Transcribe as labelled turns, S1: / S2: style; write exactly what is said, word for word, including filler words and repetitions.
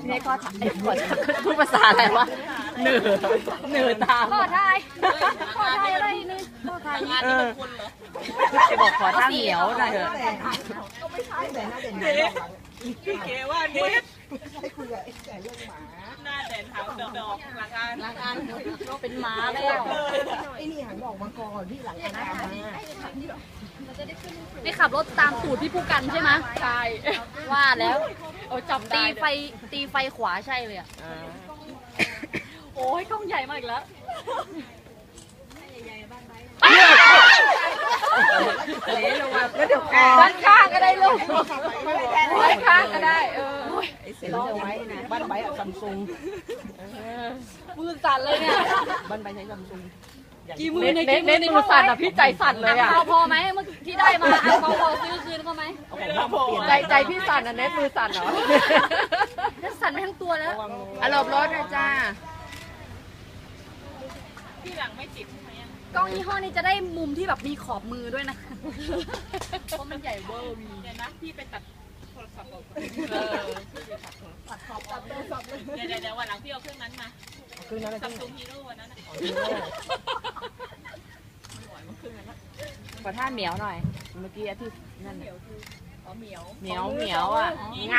S1: นี่ก็ไอ้ขอพูดภาษาอะไรวะเหนือเหนือตาม
S2: ขอทายขอทายอะไรนึงขอทาย
S1: เออจะบอกขอท่าเหนียวหน่อยเถอะ
S3: พี่เก๋ว่าเน็ตให้คุยกับไอ้แก่เรื่องหมาหน้าแดนเท้าดอกหลังอัน
S1: หลังอันก็เป็นม้าแล้ว
S3: ไอ้นี่หันบอกมาก่อนพี่หลังอันตามมา
S2: นี่ขับรถตามตูดพี่ผู้กันใช่ไหมใช่ว่าแล้วโอ้จับตีไฟตีไฟขวาใช่เลยอ่ะโอ้ยกล้องใหญ่มากอีกแล้ว
S1: แล้วเดี๋ยวก่อน
S2: ด้านข้างก็ได้ลูกด้านข้างก็ได้เออ
S3: ไอ้เสร็จเอาไว้นะบ้านใบอะซัมซุง
S2: มือสั่นเลยเนี่ย
S3: บ้านใบใช้ซัมซุง
S2: กี่มือ
S1: เน้
S2: ใน
S1: นเน้นมือสั่นอ่ะพี่ใจสั่นเลยอ่ะ
S2: เอาพอไหมเมื่อที่ได้มาเอาพอซื้อคืนเขาไหม
S3: เอาของบ้านมาเปลี่ยน
S1: ใจใจพี่สั่นอ่ะเน้นมือสั่นเหรอ
S2: จะสั่นไปทั้งตัวแล้ว
S1: อารมณ์รถนะจ้า
S3: ที่หลังไม่ติดไหม
S2: กล้องยี่ห้อนี้จะได้มุมที่แบบมีขอบมือด้วยนะเพราะมันใหญ่เวอร์วี
S3: เดี๋ยวนะพี่ไปตัดโทรศัพท์ก่อนเออตัดขอบตัดโทรศัพท์เลยเดี๋ยวเดี๋ยววันหลังพี่เอาเครื่องนั้นมาเครื่องนั้นซัมซุงฮีโร่วันนั้น
S1: ขอท่าเหมียวหน่อย เมื่อกี้ที่นั่น
S3: เหมียวคืออ๋อเหมียว
S1: เหมียวเหมียวอ่ะ